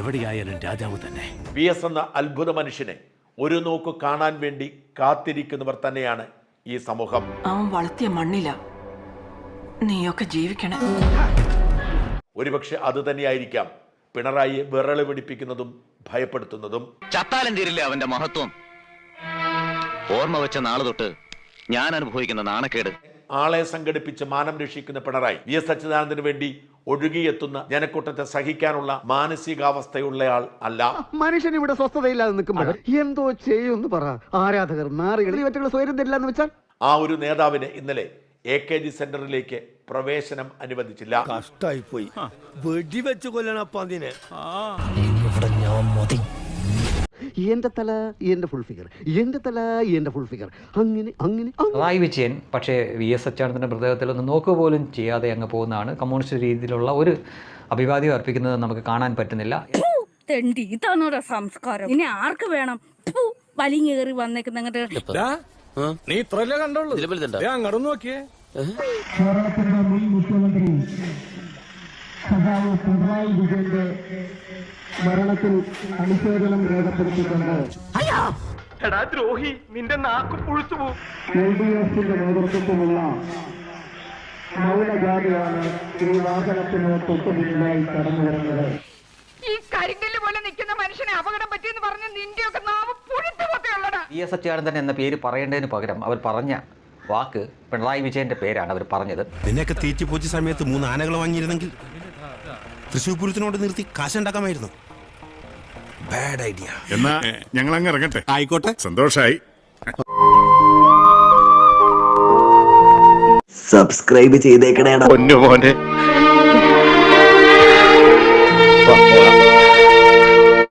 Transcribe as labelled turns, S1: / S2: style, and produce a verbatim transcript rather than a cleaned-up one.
S1: എവിടെയായാലും രാജാവ് തന്നെ.
S2: വി എസ് എന്ന അത്ഭുത മനുഷ്യനെ ഒരു നോക്ക് കാണാൻ വേണ്ടി കാത്തിരിക്കുന്നവർ തന്നെയാണ് ഈ സമൂഹം.
S3: അവൻ വളർത്തിയ മണ്ണില നീയൊക്കെ ജീവിക്കണം.
S2: ഒരുപക്ഷെ അത് തന്നെയായിരിക്കാം പിണറായിയെ വിറള് പിടിപ്പിക്കുന്നതും ഭയപ്പെടുത്തുന്നതും.
S4: ചത്താലും തീരില്ല അവന്റെ മഹത്വം. ഓർമ്മ വെച്ച നാളെ തൊട്ട് ഞാൻ അനുഭവിക്കുന്ന നാണക്കേട്.
S2: ആളെ സംഘടിപ്പിച്ച് മാനം രക്ഷിക്കുന്ന പിണറായി വി എസ് അച്യുതാനന്ദന് വേണ്ടി ഒഴുകിയെത്തുന്ന ജനക്കൂട്ടത്തെ സഹിക്കാനുള്ള മാനസികാവസ്ഥയുള്ളയാൾ അല്ല.
S5: മനുഷ്യൻ ഇവിടെ സ്വസ്ഥതയില്ലാതെ നിൽക്കുമ്പോൾ എന്തോ ചെയ്യുമെന്ന് പറ. ആരാധകർ നാറികൾ സ്വയം തരില്ലെന്ന് വെച്ചാൽ
S2: ആ ഒരു നേതാവിനെ ഇന്നലെ എ കെ ജി സെന്ററിലേക്ക് പ്രവേശനം അനുവദിച്ചില്ല.
S6: കഷ്ടായി പോയി. വെടിവെച്ച് കൊല്ലണപ്പ അതിനെ.
S5: എന്റെ തല എന്റെ ഫുൾ ഫിഗർ, എന്റെ തല എന്റെ ഫുൾ ഫിഗർ, അങ്ങനെ അങ്ങനെ.
S7: പിണറായി വിജയൻ പക്ഷേ വി എസ് അച്യുതാനന്ദൻ്റെ മൃതദേഹത്തിലൊന്നും നോക്കുക പോലും ചെയ്യാതെ അങ്ങ് പോകുന്നതാണ്. കമ്മ്യൂണിസ്റ്റ് രീതിയിലുള്ള ഒരു അഭിവാദ്യം അർപ്പിക്കുന്നത് നമുക്ക് കാണാൻ പറ്റുന്നില്ല.
S8: ഇതാണോടാ സംസ്കാരം? ഇനി ആർക്ക് വേണം വലിഞ്ഞേറി വന്നേക്കുന്ന?
S6: നീ ഇത്രല്ലേ കണ്ടോളൂ, അങ്ങോട്ട് നോക്കിയേ.
S9: കേരളത്തിന്റെ മുൻ മുഖ്യമന്ത്രി സഖാവ് പിണറായി വിജയന്റെ മരണത്തിൽ അനുശോചനം രേഖപ്പെടുത്തിക്കൊണ്ട് എൽ ഡി എഫിന്റെ നേതൃത്വത്തിലുള്ള മൗനജാഥയാണ് ഈ വാഹനത്തിന് തൊട്ടുപിന്നിലായി കടന്നു വരുന്നത്.
S8: ഈ കരിങ്കല്ല് പോലെ നിൽക്കുന്ന മനുഷ്യനെ അപകടം പറ്റിയെന്ന് പറഞ്ഞ നിന്റെയൊക്കെ നാമം പുഴുത്തുപോത്തെയുള്ളടാ.
S7: വി എസ് അച്യുതാനന്ദൻ എന്ന പേര് പറയേണ്ടതിന് പകരം അവർ പറഞ്ഞ വാക്ക് പിണറായി വിജയന്റെ പേരാണ് അവർ പറഞ്ഞത്.
S10: നിന്നെയൊക്കെ തീറ്റിപ്പോച്ച സമയത്ത് മൂന്ന് ആനകൾ വാങ്ങിയിരുന്നെങ്കിൽ തൃശ്ശൂർ പൂരത്തിനോട് നിർത്തി കാശുണ്ടാക്കാമായിരുന്നു. Bad idea.
S11: എന്നാ ഞങ്ങൾ അങ്ങ് ഇറങ്ങട്ടെ. ആയിക്കോട്ടെ, സന്തോഷായി.
S12: സബ്സ്ക്രൈബ് ചെയ്തേക്കണേടാ പൊന്നു മോനെ.